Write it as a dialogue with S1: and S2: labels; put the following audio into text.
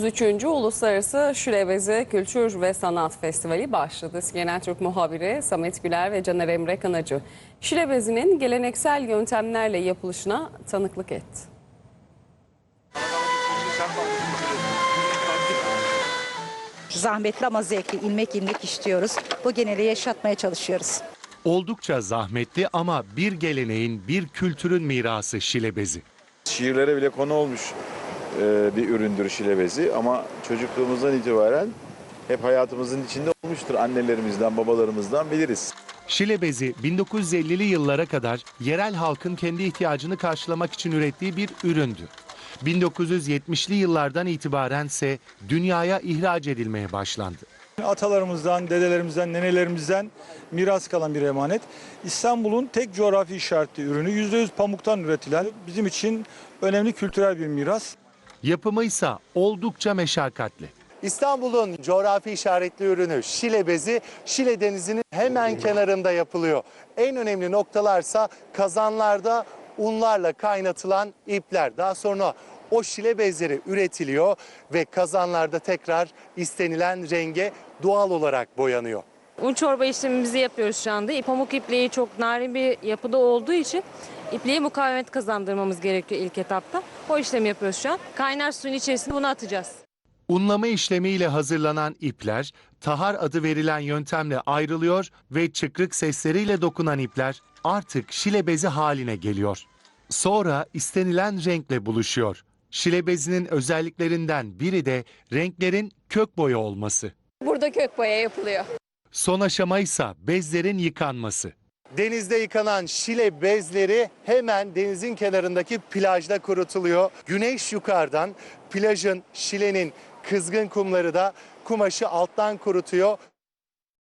S1: 33. Uluslararası Şilebezi Kültür ve Sanat Festivali başladı. Genel Türk muhabiri Samet Güler ve Caner Emre Kanacı, Şilebezinin geleneksel yöntemlerle yapılışına tanıklık etti.
S2: Zahmetli ama zevkli, ilmek işliyoruz. Bu geneli yaşatmaya çalışıyoruz.
S3: Oldukça zahmetli ama bir geleneğin, bir kültürün mirası şilebezi.
S4: Şiirlere bile konu olmuş bir üründür şilebezi ama çocukluğumuzdan itibaren hep hayatımızın içinde olmuştur. Annelerimizden, babalarımızdan biliriz.
S3: Şilebezi 1950'li yıllara kadar yerel halkın kendi ihtiyacını karşılamak için ürettiği bir üründü. 1970'li yıllardan itibaren ise dünyaya ihraç edilmeye başlandı.
S5: Atalarımızdan, dedelerimizden, nenelerimizden miras kalan bir emanet. İstanbul'un tek coğrafi işaretli ürünü, %100 pamuktan üretilen bizim için önemli kültürel bir miras.
S3: Yapımı ise oldukça meşakkatli.
S6: İstanbul'un coğrafi işaretli ürünü şilebezi, Şile Denizi'nin hemen kenarında yapılıyor. En önemli noktalarsa kazanlarda unlarla kaynatılan ipler. Daha sonra o şile bezleri üretiliyor ve kazanlarda tekrar istenilen renge doğal olarak boyanıyor.
S7: Un çorba işlemimizi yapıyoruz şu anda. Pamuk ipliği çok narin bir yapıda olduğu için ipliğe mukavemet kazandırmamız gerekiyor ilk etapta. O işlemi yapıyoruz şu an. Kaynar suyun içerisine bunu atacağız.
S3: Unlama işlemiyle hazırlanan ipler, tahar adı verilen yöntemle ayrılıyor ve çıkrık sesleriyle dokunan ipler artık şilebezi haline geliyor. Sonra istenilen renkle buluşuyor. Şilebezinin özelliklerinden biri de renklerin kök boya olması.
S8: Burada kök boya yapılıyor.
S3: Son aşama ise bezlerin yıkanması.
S6: Denizde yıkanan şile bezleri hemen denizin kenarındaki plajda kurutuluyor. Güneş yukarıdan plajın, şilenin kızgın kumları da kumaşı alttan kurutuyor.